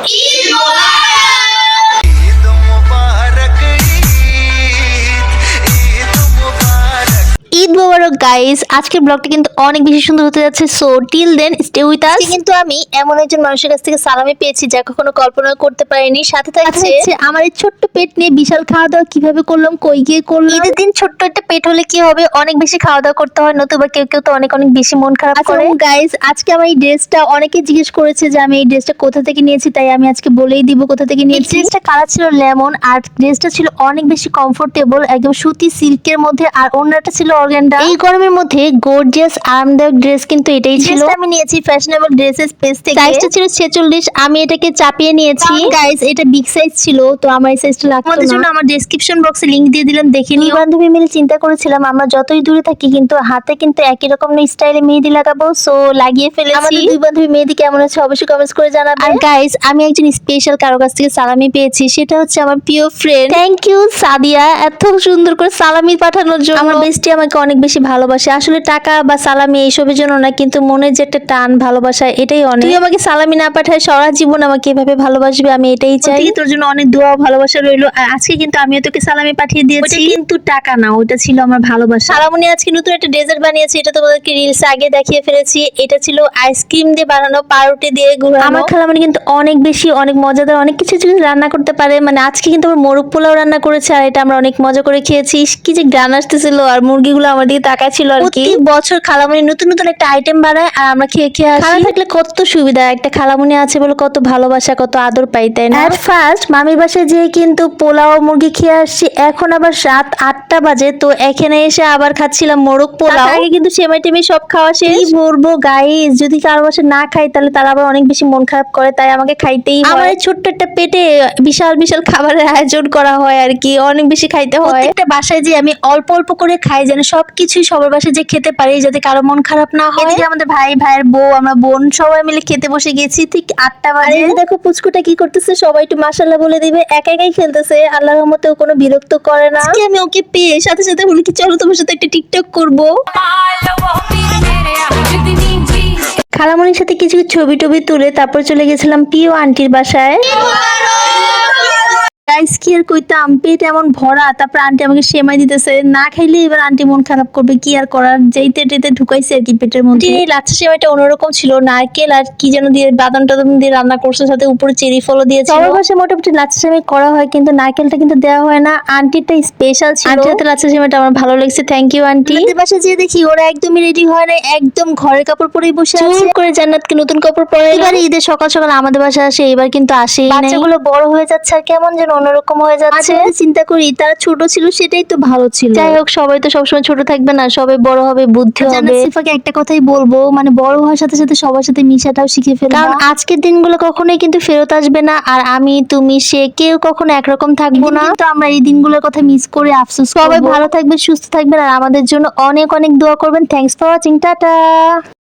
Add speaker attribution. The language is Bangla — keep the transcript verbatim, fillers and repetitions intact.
Speaker 1: ঈদ মোবারক গাইস, আজকের ব্লগটা কিন্তু অনেক বেশি সুন্দর হতে যাচ্ছে। So till then stay with us. কিন্তু আমি এমন একজন মানুষের কাছ থেকে সালামি পেয়েছি যা কখনো কল্পনা করতে পারিনি। সাথে থাকছে আমার এই ছোট্ট পেট নিয়ে বিশাল খাওয়া দাওয়া কিভাবে করলাম, কই গিয়ে করলাম। ঈদের দিন ছোট্ট একটা পেট হলে কি হবে, অনেক বেশি খাওয়া দাওয়া করতে হয়, নতুবা কেউ কেউ তো অনেক অনেক বেশি মন খারাপ করে। গাইস, আজকে আমার এই ড্রেসটা অনেকে জিজ্ঞেস করেছে যে আমি এই ড্রেসটা কোথা থেকে নিয়েছি, তাই আমি আজকে বলেই দিব কোথা থেকে নিয়েছি। ড্রেসটা কালার ছিল লেমন, আর ড্রেসটা ছিল অনেক বেশি কমফোর্টেবল, একদম সুতি সিল্কের মধ্যে, আর অন্যটা ছিল অর্গানজা। এই গরমের মধ্যে গর্জিয়াস আরামদায়ক ড্রেস কিন্তু এটাই ছিল। আমি নিয়েছি ফ্যাশনেবল ড্রেসেস পেজ থেকে। সাইজটা ছিল ছেচল্লিশ, আমি এটাকে চাপিয়ে নিয়েছি। গাইস, এটা বিগ সাইজ ছিল, তো আমার এই সাইজটা লাগতো না। আমাদের জন্য আমার ডেসক্রিপশন বক্সে লিংক দিয়ে দিলাম, দেখে নিও। বান্ধবী মিলে চিন্তা করেছিলাম আমরা যতই দূরে থাকি কিন্তু হাতে কিন্তু একই রকম স্টাইলে মেহেদি লাগাবো। সো লাগিয়ে ফেলেছি। আমাদের দুই বান্ধবী মেহেদি কেমন আছে অবশ্যই কমেন্টস করে জানাবে। আর গাইস, আমি একজন স্পেশাল কারো কাছ থেকে সালামি পেয়েছি, সেটা হচ্ছে আমার প্রিয় ফ্রেন্ড। থ্যাংক ইউ সাদিয়া, এত সুন্দর করে সালামি পাঠানোর জন্য। আমার বেস্টি আমাকে অনেক বেশি ভালোবাসে, আসলে টাকা বা সালামি এইসবের জন্য না, কিন্তু মনের যে একটা টান ভালোবাসা এটাই অনেক। তুই আমাকে সালামি না পাঠায় সারা জীবন আমাকে এভাবে ভালোবাসবে, আমি এটাই চাই। তোর জন্য অনেক দোয়া ভালোবাসা রইলো। আর আজকে কিন্তু আমিও তোকে সালামি পাঠিয়ে দিয়েছি, কিন্তু টাকা না, ওটা ছিল আমার ভালোবাসা। সালামনি আজকে নতুন একটা ডেজার্ট বানিয়েছি, এটা তোমাদেরকে রিলস আগে দেখিয়ে ফেলেছি। এটা ছিল আইসক্রিম দিয়ে বানানো, পাউরুটি দিয়ে ঘুরানো। আমার খালামনি কিন্তু অনেক বেশি অনেক মজাদার অনেক কিছু কিছু রান্না করতে পারে। মানে আজকে কিন্তু আমার মোরগ পোলাও রান্না করেছে, আর এটা আমরা অনেক মজা করে খেয়েছি। কি যে গান আসতেছিল, আর মুরগিগুলো আমার দিকে তাকাচ্ছিল আর কি। বছর খালামনি নতুন নতুন একটা আইটেম বানায়, আর আমরা খেয়ে খেয়ে আসি। খালা থাকলে কত সুবিধা, একটা খালামনি আছে বলে কত ভালোবাসা কত আদর পাই, তাই না? ফার্স্ট মামির বাসায় যেয়ে কিন্তু পোলাও মুরগি খেয়ে আসছি, এখন আবার রাত আটটা বাজে, তো এখানে এসে আবার খাচ্ছিলাম মোরগ পোলাও। আগে কিন্তু সেমাই টেমাই সব খাওয়া শেষ। কি বলবো গাইস, যদি কারো বাসায় না খাই তাহলে তারা আবার অনেক বেশি মন খারাপ করে, তাই আমাকে খাইতেই হয়। আমার ছোট্ট একটা পেটে বিশাল বিশাল খাবারের আয়োজন করা হয় আর কি, অনেক বেশি খাইতে হয়। একটা বাসায় যে আমি অল্প অল্প করে খাই, যেন সবকিছুই সবার বাসায় যে খেতে পারি, যাতে কারো মন খারাপ না হয়। এদিকে আমাদের ভাই ভাইয়ের বউ, আমরা বোন সবাই মিলে খেতে বসে গেছি ঠিক আটটা বাজে। দেখো পুচকুটা কি করতেছে, সবাই একটু মাশাআল্লাহ বলে দিবে। একা একাই খেলতেছে, আল্লাহর রহমতে কোনো বিরক্ত করে না। আজকে আমি ওকে পেয়ে সাথে সাথে বলি কি চলো তোমার সাথে একটা টিকটক করব। খালামনির সাথে কিছু ছবি টবি তুলে তারপর চলে গেছিলাম প্রিয় আন্টির বাসায়। গাইস, কি আর কইতাম, পেট এমন ভরা, তারপর আন্টি আমাকে সেমাই দিতেছে, না খাইলে এবার আন্টি মন খারাপ করবে, কি আর করার, যেইতে টেতে ঢুকাইছে আর কি পেটের মধ্যে। এই লাচ্ছা সেমাইটা অন্যরকম ছিল, নারকেল আর কি যেন দিয়ে বাদাম টাদাম দিয়ে রান্না করছে, সাথে উপরে চেরি ফলও দিয়েছে। সবার বাসায় মোটামুটি লাচ্ছা সেমাই করা হয়, কিন্তু নারকেলটা কিন্তু দেওয়া হয় না, আন্টিটা স্পেশাল ছিল। আন্টির হাতে লাচ্ছা সেমাইটা আমার ভালো লাগছে, থ্যাংক ইউ আন্টি। আমাদের বাসায় যেয়ে দেখি ওরা একদমই রেডি হয় না, একদম ঘরের কাপড় পরেই বসে আছে। চুপ করে জান্নাতকে নতুন কাপড় পরে এবার ঈদের সকাল সকাল আমাদের বাসায় আসে, এবার কিন্তু আসেই নাই। বাচ্চাগুলো বড় হয়ে যাচ্ছে আর কেমন যেন অন্যরকম হয়ে যাচ্ছে। চিন্তা করি তারা ছোট ছিল সেটাই তো ভালো ছিল। যাই হোক, সবাই তো সবসময় ছোট থাকবে না, সবাই বড় হবে, বুদ্ধি হবে। সিফাকে একটা কথাই বলবো, মানে বড় হওয়ার সাথে সাথে সবার সাথে মিশাটাও শিখে ফেলবা, কারণ আজকের দিনগুলো কখনোই কিন্তু ফেরত আসবে না। আর আমি তুমি সে কেউ কখনো একরকম থাকবো না, তো আমরা এই দিনগুলোর কথা মিস করে আফসোস করব। সবাই ভালো থাকবে, সুস্থ থাকবেন, আর আমাদের জন্য অনেক অনেক দোয়া করবেন। Thanks for watching, tata.